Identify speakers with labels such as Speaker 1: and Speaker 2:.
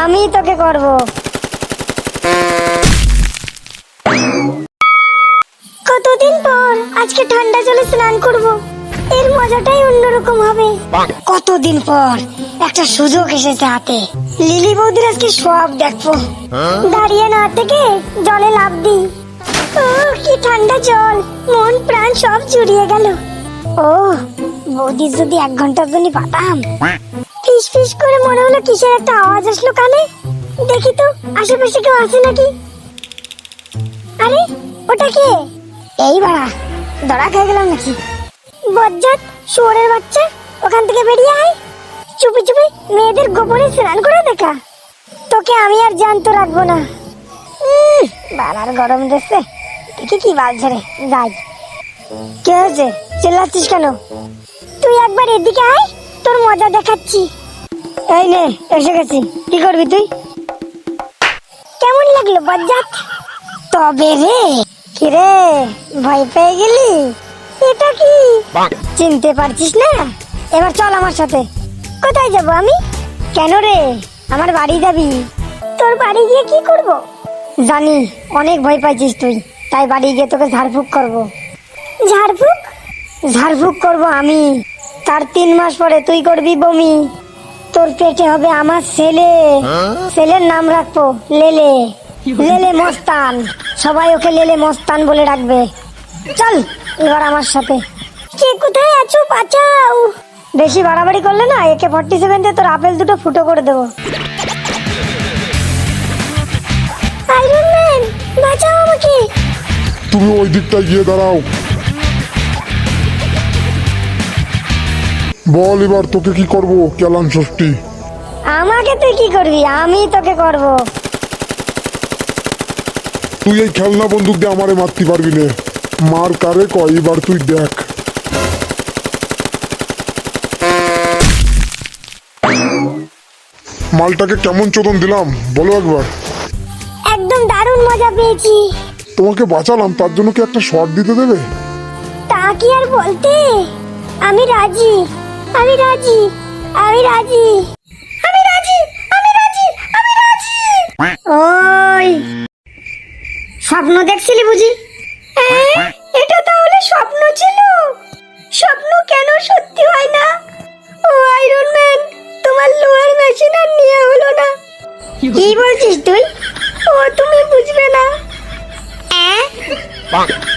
Speaker 1: আমি তোকে করব। কতদিন পর আজকে ঠান্ডা জলে স্নান করব, এর মজাটাই অন্যরকম হবে। কতদিন পর একটা সুযোগ এসেছে হাতে, লিলি বৌদির আজকে সব দেখবো। দাঁড়িয়ে না থেকে জলে লাফ দি। ও কি ঠান্ডা জল, মন প্রাণ সব জুড়িয়ে গেল। ও বৌদি যদি 1 ঘন্টার জন্য পাতাম। ফিস ফিস করে মনে হলো কিসের একটা আওয়াজ আসলো কানে। দেখি তো আশেপাশে কেউ আছে নাকি। আরে ওটা কে? এই বাড়া, ধরা খেয়ে গেলাম নাকি? বজ্জাত শুয়োরের বাচ্চা, ওখান থেকে বেরিয়ে আয়। চুপি চুপি মেয়েদের গোপনে স্নান করে দেখা। তোকে আমি আর জ্যান্ত রাখবো না। বাড়ার গরম দেখছে, দেখি কি বালছে রে। যাই। কে হয়েছে, চিল্লাচ্ছিস কেন? তুই একবার এদিকে আয়, তোর মজা দেখাচ্ছি। এই নে এসে গেছি, কি করবি তুই? কেমন লাগলো বজ্জাত? তবে রে, কি রে ভয় পেয়ে গেলি? এটা কি চিনতে পারছিস না? এবার চল আমার সাথে। কোথায় যাব আমি? কেন রে, আমার বাড়ি যাবি? তোর বাড়ি গিয়ে কি করব? জানি অনেক ভয় পাইছিস তুই, তাই বাড়ি গিয়ে তোকে ঝাড়ফুঁক করব। ঝাড়ফুঁক? ঝাড়ফুঁক করব আমি, তার 3 মাস পরে তুই করবি বমি। তোর পেটে হবে আমার ছেলে, ছেলের নাম রাখবো লেলে। লেলে মস্তান, সবাই ওকে লেলে মস্তান বলে ডাকবে। চল এবার আমার সাথে। কে কোথায় আছো, বাঁচাও। বেশি বাড়াবাড়ি করলে না AK-47 দিয়ে তোর আপেল দুটো ফুটো করে দেবো। আয়রন ম্যান বাঁচাও আমাকে।
Speaker 2: তুমি ওই দিকটায় গিয়ে দাঁড়াও। বল এবার তোকে কি করব কেলান ষষ্ঠী?
Speaker 1: আমাকে তুই কি করবি? আমি তোকে করব।
Speaker 2: তুই এই খেলনা বন্দুক দিয়ে আমারে মারতে পারবি না। মার কারে কয় এবার তুই দেখ। মালটাকে কেমন চোদন দিলাম বলো একবার।
Speaker 1: একদম দারুণ মজা পেয়েছি।
Speaker 2: তোমাকে বাঁচালাম, তার জন্য কি একটা শট দিতে দেবে?
Speaker 1: তা কি আর বলতে, আমি রাজি, আমি রাজি, আমি রাজি, আমি রাজি, আমি রাজি, আমি রাজি। ওই স্বপ্ন দেখছিলি বুঝি? এটা তাহলে স্বপ্ন ছিল? স্বপ্ন কেন সত্যি হয় না? ও আয়রন ম্যান, তোমার লোহার মেশিন আর নিয়ে হলো না। কি বলছিস তুই? ও তুমি বুঝবে না।